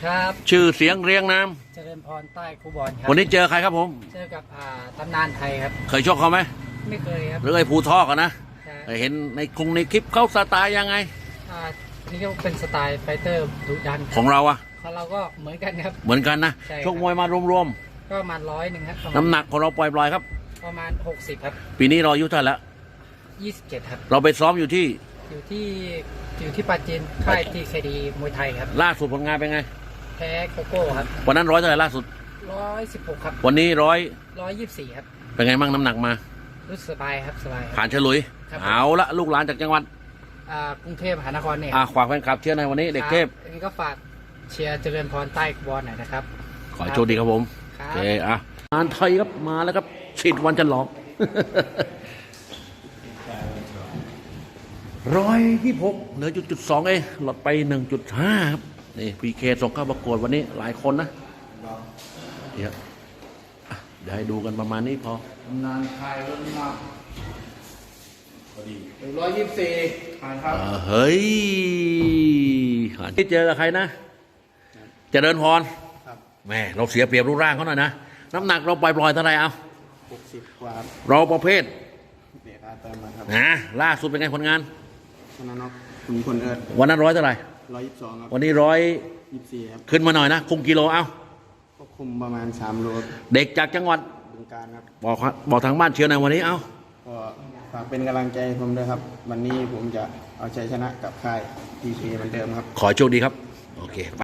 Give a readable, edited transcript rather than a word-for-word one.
ครับชื่อเสียงเรียงนามเจริญพรใต้คูบอลครับวันนี้เจอใครครับผมเจอกับตำนานไทยครับเคยชกเขาไหมไม่เคยครับหรือไอ้ภูทอกอะนะใช่เห็นในคลิปเขาสไตล์ยังไงนี่ก็เป็นสไตล์ไฟเตอร์ดุดันของเราอะของเราก็เหมือนกันครับเหมือนกันนะใช่ครับชกมวยมารวมก็ประมาณ100ครับๆน้ำหนักของเราปล่อยๆครับประมาณ60ครับปีนี้เราอายุเท่าไหร่แล้ว 27ครับเราไปซ้อมอยู่ที่อยู่ที่ปราจีนค่ายทีเคดีมวยไทยครับล่าสุดผลงานเป็นไงแพ้โกโก้ครับวันนั้นร้อยเท่าไหร่ล่าสุด 116ครับวันนี้ 124ครับเป็นไงบ้างน้ำหนักมารู้สึกสบายครับสบายครับผ่านเฉลุยครับเอาละลูกหลานจากจังหวัดกรุงเทพมหานครเนี่ยฝากแฟนคลับเชียร์ในวันนี้เด็กเทพอันนี้ก็ฝากเชียร์เจริญพรใต้คูบอลหน่อยนะครับขอให้โชคดีครับผมครัโอบ เคงานไทยครับมาแล้วครับฉีดวันจะหลอก 126เหลือจุด2เองลดไป 1.5 ครับนี่พีเคส่งเข้าประกวดวันนี้หลายคนนะเดี๋ยวให้ดูกันประมาณนี้พองานไทยเริ่มมา124ครับเฮ้ยที่เจอกับใครนะเจริญพรแม่เราเสียเปรียบรูปร่างเขาหน่อยนะน้ำหนักเราปล่อยๆเท่าไหร่เอา 60 กว่าครับเราประเภทเด็กอาเติมมาครับนะล่าสุดเป็นไงผลงานชนะน็อกคุณคนเอิร์ดวันนั้นร้อยเท่าไหร่ 122 ครับวันนี้ 24 ครับขึ้นมาหน่อยนะคุมกิโลเอาควบคุมประมาณ3โลเด็กจากจังหวัดบึงการครับบอกทางบ้านเชียร์ในอยวันนี้เอาก็ฝากเป็นกำลังใจให้ผมด้วยครับ วันนี้ผมจะเอาชัยชนะกับค่ายทีเคเหมือนเดิมครับขอให้โชคดีครับโอเค